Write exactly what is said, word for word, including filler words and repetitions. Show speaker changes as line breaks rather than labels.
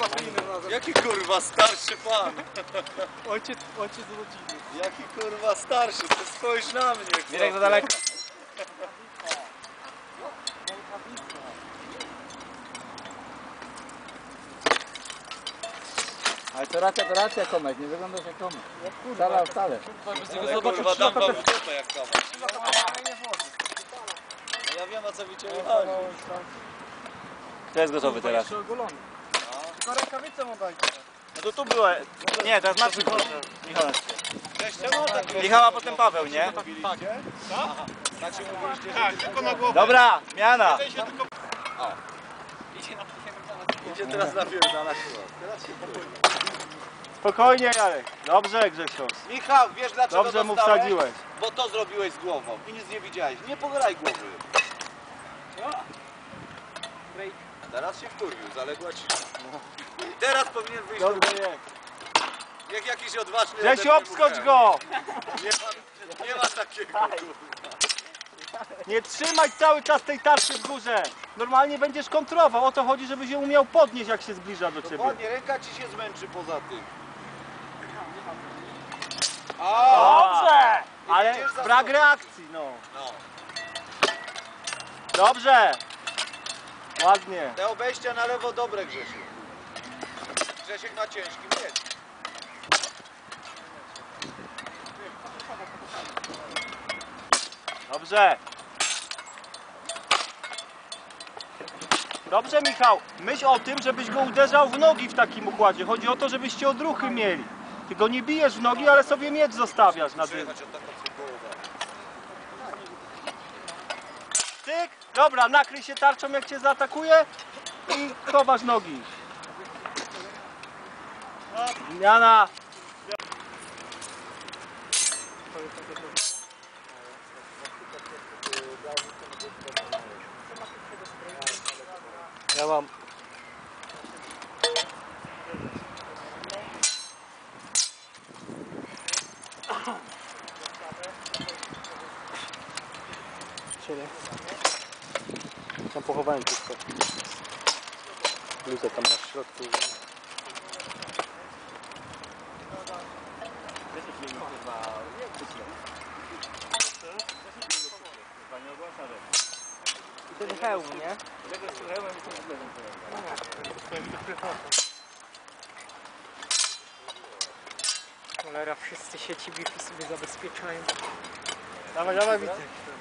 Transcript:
Jaki kurwa starszy pan?
Ojciec, ojciec rodziny.
Jaki kurwa starszy? To spójrz na mnie.
Mirek za daleko. Ale to racja, to racja Tomek, nie wyglądasz jak Tomek. Wcale, wcale.
Ale kurwa dam wam w dupę jak Tomek. No ja wiem o co mi cię chodzi.
Kto jest gotowy teraz?
Tylko rękawicę mu dajcie.
No to tu było. Nie, teraz Marcin. Michał.
Cześć, czemu tak
Michał, a potem Paweł, nie?
Tak się mówiliście, że tylko na głowę.
Dobra, zmiana.
Idzie teraz na pierdala siłę. Teraz się popłynie.
Spokojnie Jarek. Dobrze Grzesiu.
Michał, wiesz dlaczego
Dobrze mu
dostałeś?
wsadziłeś.
Bo to zrobiłeś z głową i nic nie widziałeś. Nie pograj głowy. Teraz się wkurwił, zaległa cisza. I teraz powinien wyjść
Dobrze
do...
jest.
Jak jakiś odważny...
Grzesiu,
ode mnie
obskocz
mu
go!
Nie ma, nie ma takiego kurwa.
Nie trzymaj cały czas tej tarczy w górze. Normalnie będziesz kontrował. O to chodzi, żebyś ją umiał podnieść, jak się zbliża do ciebie.
Dokładnie, ręka ci się zmęczy poza tym. A,
Dobrze! Ale
Idziesz za
brak
sobą.
reakcji, no.
no.
Dobrze! Ładnie.
Te obejścia na lewo dobre, Grzesiu. Grzesiek na ciężkim miecz.
Dobrze. Dobrze, Michał. Myśl o tym, żebyś go uderzał w nogi w takim układzie. Chodzi o to, żebyście odruchy mieli. Ty go nie bijesz w nogi, ale sobie miecz zostawiasz na tym.
Przyjechać od taką głowę.
Tyk. Dobra, nakryj się tarczą, jak cię zaatakuje i chowasz nogi. Zmiana. Ja mam. Siedem. Tam pochowałem wszystko. Bluzę tam na środku. I ten hełm, nie?
Cholera, wszyscy sieci Wi-Fi sobie zabezpieczają.
Dawaj, dawaj, widzę.